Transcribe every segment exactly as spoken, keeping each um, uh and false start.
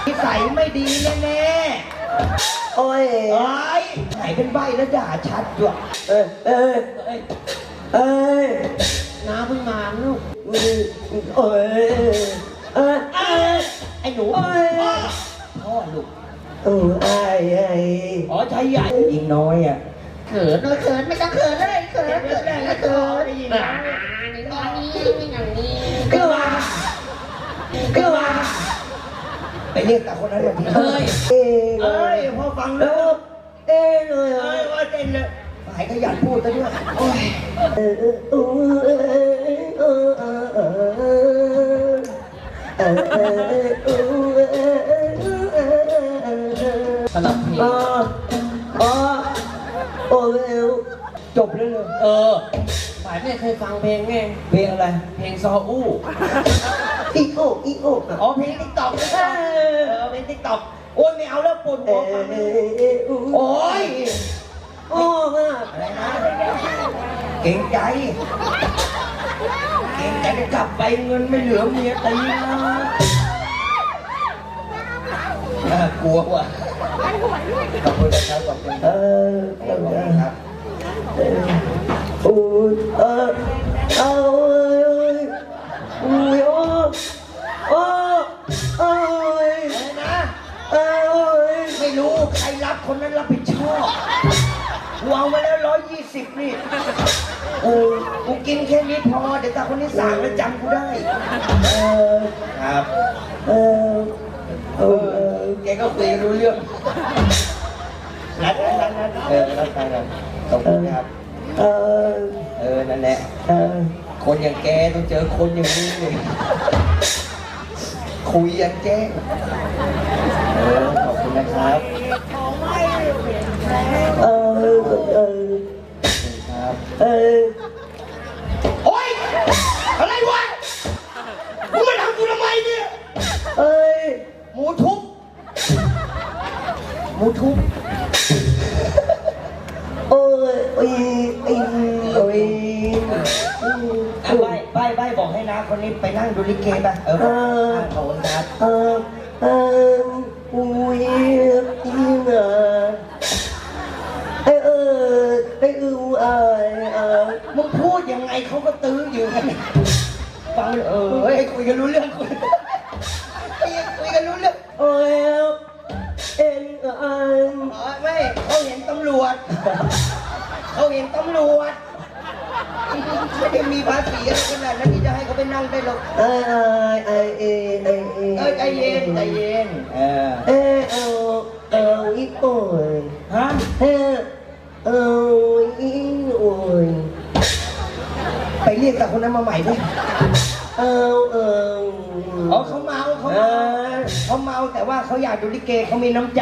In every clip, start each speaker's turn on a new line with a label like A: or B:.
A: นิสัยไม่ดีแน่ๆโอ้ยไอ้ไหนเป็นใบแล้วด่าชัดด้วยเอ้ยเอ้ยเอ้ยเอ้ยน้าเพิ่งมาลูกเอ้ยเอ้ยเอ้ยไอ้หนูพ่อลูกเออไอ้ไอ้อ๋อชายใหญ่ยิงน้อยอ่ะเขินเลยเขินไม่ต้องเขินเลยเขินเขินได้เขินได้ยินนะก็ว่าก็ว่าไปเรียกกับคนนั้นแบบนี้เอ้ยเอ้ยพอฟังแล้วเต้นเลยเอ้ยว่าเต้นเลยหายขยันพูดซะด้วยโอ้ยเออเออเออเออเออเออเออเออสลับเพลงอ๋ออ๋อโอ้เร็วจบเลยเลยเออหมายไม่เคยฟังเพลงไงเพลงอะไรเพลงซออู้อีโออีโออ๋อเพลงติ๊กต็อกเออเพลงติ๊กต็อกโอ้ยไม่เอาแล้วปวดหัวฟังโอ้ยโอ้อะไรนะเก่งใจเก่งใจจะกลับไปเงินไม่เหลือเมียตีนะน่ากลัวว่ะขอบคุณนะครับขอบคุณเออขอบคุณครับโอ้ยเออเอาเลยโอ้ยโอ้โอ้โอ้ยอะไรนะเอ้ยไม่รู้ใครรับคนนั้นรับผิดชอบวางมาแล้วร้อยยี่สิบนี่เออกูกินแค่นี้พอเดี๋ยวตาคนนี้สั่งแล้วจำกูได้เออครับเออเออแกก็คุยรู้เรื่องนัดนัดนัดเออนัดไปกันขอบคุณครับเออเออนั่นแหละเออคนอย่างแกต้องเจอคนอย่างนี้เลยคุยอย่างแจ้งเออขอบคุณนะครับเออเออครับเออโอ๊ยอะไรวะมึงมาทำกูทำไมเนี่ยเอ้ยหมูทุบหมูทุบโอ้ยโอ้ยโอ้ยโอ้ยใบใบใบบอกให้นะคนนี้ไปนั่งดูลิเกป่ะเออขอบคุณครับเออเอออุ้ยอีน่ะไอเออไออือไอเออมึงพูดยังไงเขาก็ตื้ออยู่กันฟังเออให้คุยกันรู้เรื่องคุยคุยกันรู้เรื่องโอ้ยเอ็นเอ็นไม่เขาเห็นตำรวจเขาเห็นตำรวจไม่ได้มีภาษีอะไรขนาดนั้นที่จะให้เขาไปนั่งได้หรอกเออไอเอไอเอเออใจเย็นใจเย็นเออเออเอาเอาอีโอ้ยฮะเออเอาอีโอ้ยไปเรียกแต่คนนั้นมาใหม่ด้วยเอาเอออ๋อเขาเมาเขาเมาเขาเมาแต่ว่าเขาอยากดูลิเกเขามีน้ำใจ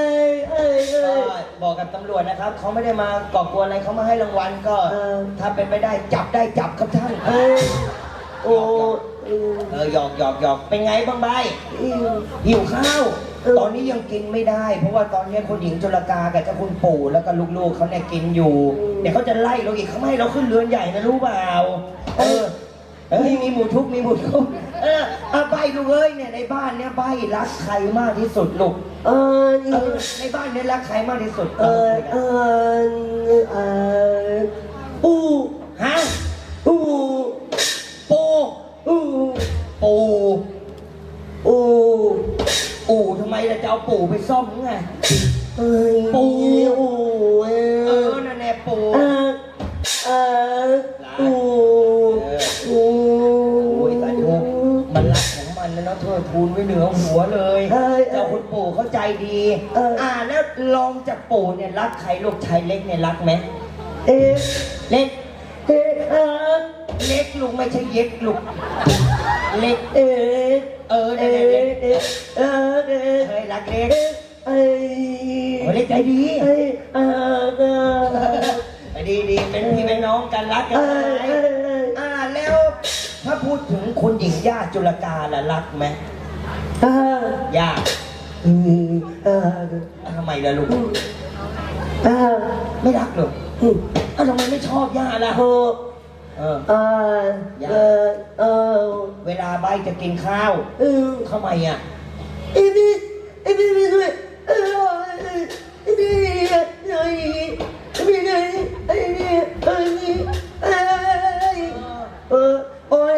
A: บอกกับตำรวจนะครับเขาไม่ได้มาก่อกวนอะไรเขามาให้รางวัลก็ถ้าเป็นไม่ได้จับได้จับครับท่านโอ้เออหยอกหยอกหยอกเป็นไงบ้างใบหิวข้าวตอนนี้ยังกินไม่ได้เพราะว่าตอนนี้คุณหญิงจุลกากับเจ้าคุณปู่แล้วก็ลูกๆเขาเนี่ยกินอยู่เดี๋ยวเขาจะไล่เราอีกเขาไม่ให้เราขึ้นเรือนใหญ่นะรู้เปล่าเออเอ้ยมีหมูทุบมีหมูทุบเออเอาใบลูกเอ้ยเนี่ยในบ้านเนี่ยใบรักใครมากที่สุดลูกเออในบ้านเนี่ยรักใครมากที่สุดเออเออเออปูฮะปูปูปูปูปูปูทำไมเราจะเอาปูไปซ่อมไงเออปูเออนั่นแหละปูเออเออปูโอ้ยตาทุกมันรักของมันนะเนาะเธอทูลไว้เหนือหัวเลยเจ้าคุณปู่เข้าใจดีอ่าแล้วลองจากปู่เนี่ยรักใครลูกชายเล็กเนี่ยรักไหมเอ๊ะเล็กเอ๊ะเล็กลูกไม่ใช่เย็กลูกเล็กเอ๊ะเออเล็กเล็กเอ๊ะเออเฮ้ยรักเล็กเอ้ยเล็กใจดีเอ้ยเออดีดีเป็นพี่เป็นน้องกันรักกันอ่าแล้วถ้าพูดถึงคุณหญิงย่าจุลกาล่ะรักไหมย่าทำไมล่ะลูกไม่รักหรอกอ้าวทำไมไม่ชอบย่าล่ะเออเออย่าเออเวลาใบจะกินข้าวทำไมอ่ะ
B: ไอ้พี่ไม่ช่วยไอ้ไอ้พี่ไอ้ไอ้พี่ไอ้ไอ้นี่ไอ้นี่ไอ้เออโอ้ย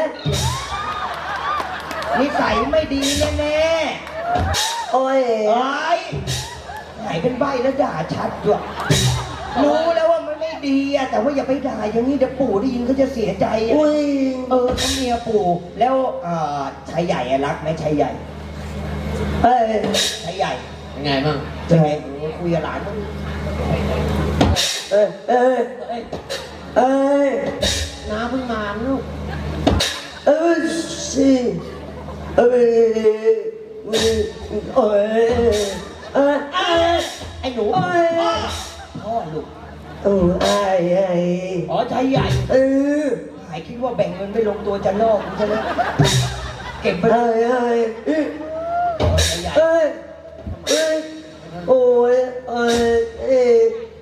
A: นิสัยไม่ดีแน่ๆ
B: โอ้ย
A: เอ้ยไหนเป็นใบแล้วด่าชัดด้วยรู้แล้วว่ามันไม่ดีอะแต่ว่าอย่าไปด่าอย่างนี้เดี๋ยวปู่ได้ยินเขาจะเสียใจอะ
B: อุ้ย
A: เออเขาเมียปู่แล้วเอ่อชายใหญ่อะรักไหมชายใหญ่
B: เอ้ย
A: ชายใหญ่
C: เป็นไงบ้าง
A: เป็นไงโอ้คุยกับหลานมั้ง
B: เอ้ยเอ้ย
C: เอ้ย
B: เอ้ย
C: น้าเพิ่งมาลูก
B: เอ้ยสิเอ้ยเอ้ยเอ้ยเอ้ย
A: เอ้ยไอ้หนู
B: โอ้
A: พ่อย พ่อลูก
B: โอ้ยไอ้ไอ้
A: อ๋อชายใหญ่
B: เออ
A: หายคิดว่าแบ่งเงินไม่ลงตัวจะลอกกูใช่ไหมเก็บไป
B: ไอ้ไอ้เอ้ย
A: ชายใหญ่
B: เอ้ยเอ้ยโอ้ยเอ้ยเอ้ย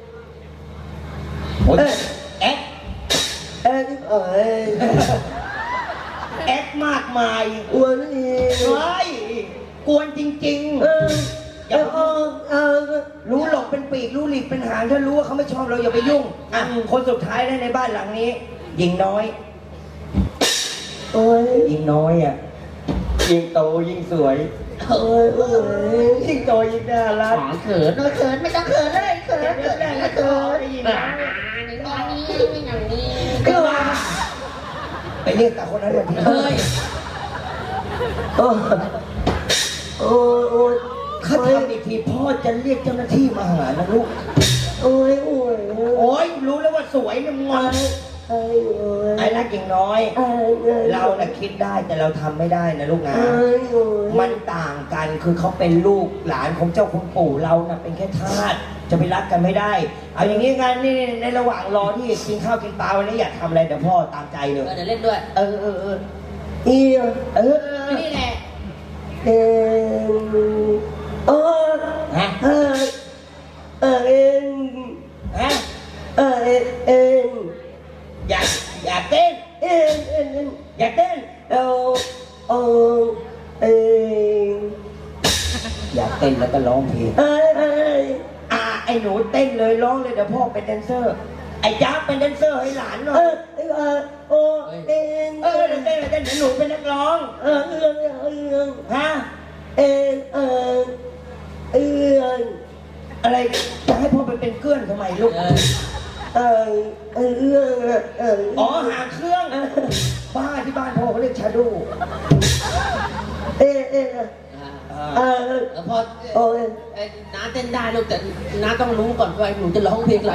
A: โอ้ยแอ๊ก
B: เอ้ยเอ้ย
A: แอ๊กมากมาย
B: อ้วนอีก
A: เฮ้ยกวนจริง
B: เอ
A: ๆ
B: ออย่าเอาเอา
A: รู้หลบเป็นปีกรู้หลีกเป็นหางถ้ารู้ว่าเขาไม่ชอบเราอย่าไปยุ่งอ่ะคนสุดท้ายนะในบ้านหลังนี้หญิงน้อย
B: โอ้ย
A: หญิงน้อยอ่ะยิ่งโตยิ่งสวย
B: โอ้ยโอ้ย
A: ยิ่งโตยิ่งน่ารัก
C: ขอเขินเนอะเขินไม่ต้องเขินเลยเขิน
A: เกิดได้ก็โตได้ยินไหม
C: อย่างนี้อย่างนี้
A: ก็ว่าไปเรียกตาคนนั้นมาที
C: เฮ้ย
B: โอ้ยโอ้ยโอ้ย
A: เขาทำอีกทีพ่อจะเรียกเจ้าหน้าที่มาหานะลูก
B: โอ้ยโอ้ย
A: โอ้ยรู้แล้วว่าสวยเนี่ยมึง
B: ไอ้โอ้ย
A: ไอ้รักหญิงน้อย
B: ไอ้ไอ้
A: เราน่ะคิดได้แต่เราทำไม่ได้นะลูกนะ
B: ไอ้โอ้ย
A: มันต่างกันคือเขาเป็นลูกหลานของเจ้าคุณปู่เราน่ะเป็นแค่ทาสจะไปรักกันไม่ได้ เอาอย่างนี้งานนี่ในระหว่างรอที่กินข้าวกินปลาวันนี้อยากทำอะไรเดี๋ยวพ่อตามใจเลย
C: เดี๋ยวเล่นด้วย
A: เออเออเออ
B: เอีย
A: เออเออ
C: นี่แหละ
B: เอ็นโอ้ย
A: ฮะ
B: เออเออเอ็น
A: ฮะ
B: เออเอ็นเอ็น
A: อยากอยากเต้น
B: เอ็นเอ็นเอ็น
A: อยากเต้น
B: เอาเอาเอ็น
A: อยากเต้นแล้วก็ร้องเพลง
B: ไอ้ไอ้
A: อ่าไอ้หนูเต้นเลยร้องเลยเดี๋ยวพ่อเป็นแดนเซอร์ ไอ้จ้าเป็นแดนเซอร์ให้หลานหน่อ
B: เอย อไอ้เออโอเอ็น
A: เออเดี๋ยวเต้นเดี๋ยวเต้นเดี๋ยวหนูเป็นนักร้อง
B: เออเอื้องเอื้อง
A: ฮะ
B: เอ็นเออเอื้อง
A: อะไรจะให้พ่อไปเป็นเกื้อนทำไมลูก
C: เออ
B: เออเอื้องเออ
A: อ๋อหางเครื่องบ้าที่บ้านพ่อเขาเรียกชาโด
B: เอ็นเอ็น
C: อ่า
B: เออ
C: แล้วพอ
B: โอ้ย
C: เอ้ยน้าเต้นได้ลูกแต่น้าต้องรู้ก่อนว่าหนูจะร้องเพลงอะไร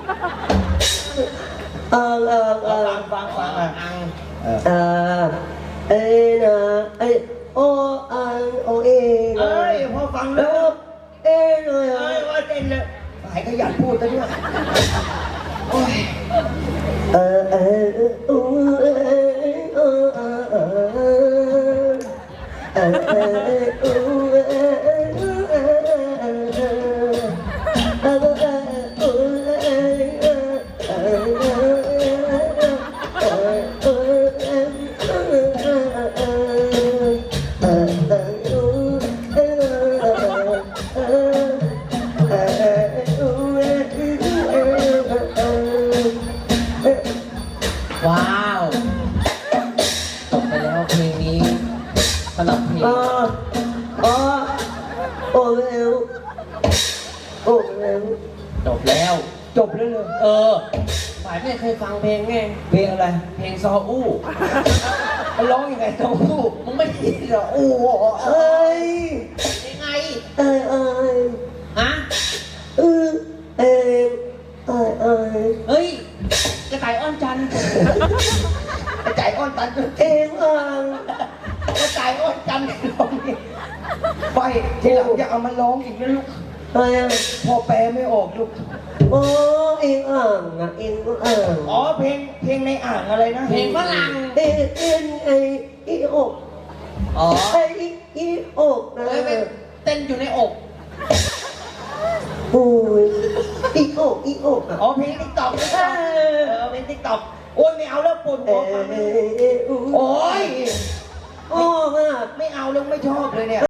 B: เออเออเออ
A: ฟังฟังฟังอ่ะ
C: อัง
A: เออ
B: เออเอ็นเอโออันโอเอ็น
A: เอ้ยพ่อฟังแล้
B: แล้ว วเอ็นเลย
A: เอ้ยว่าเต้นเลยหายขยันพูดซะด้วยโอ้ย
B: เออเออเออเออเออเออเออเออเอ
C: ว้าวจบไปแล้วเพลงนี้สำหรับเพลง
B: อ๋ออ๋อโอ้เร็วโอ้เร็ว
C: จบแล้ว
A: จบแล้วเลย
C: เออฝ่ายไม่เคยฟังเพลงไง
A: เพลงอะไร
C: เพลงซออู้
A: มันร้องยังไงเต้าหู้
C: มึงไม่ได้ยินเหรออู้
B: เอ้ย
C: ยังไง
B: เอ้ยเอ้ย
C: ฮะ
B: เออเอ้ยเอ้ยเอ้ย
C: เฮ้ยกระต่ายอ้อนจันทร์
A: กระจายอ้อนตันจน
B: เอ็งอ่าง
A: กระจายอ้อนจันร้องนี่ไปทีหลังอย่าเอามาร้องอีกนะลูก
B: เอ้ย
A: พ่อแปลไม่ออกลูก
B: โอ้เอ็งอ่างอ่ะเอ็งอ่าง
A: อ๋อเพลงเพลงในอ่างอะไรนะ
C: เพลงฝรั่ง
B: เอ็งเอ็งไอ้อีอก
C: อ๋อ
B: ไอ้อีอกนะ
C: เฮ้ยไปเต้นอยู่ในอก
B: โอ้ยอีอกอีอกอ่ะ
A: อ๋อเพลงติ๊กต็อกเออเพลงติ๊กต็อกโอ้ยไม่เอาแล้วปวดหั
B: เอ้
A: วฟังไม่รู้
B: ย
A: โอ้ย
B: โอ้ย
A: ไม่เอาแล้วไม่ชอบเลยเนี่ย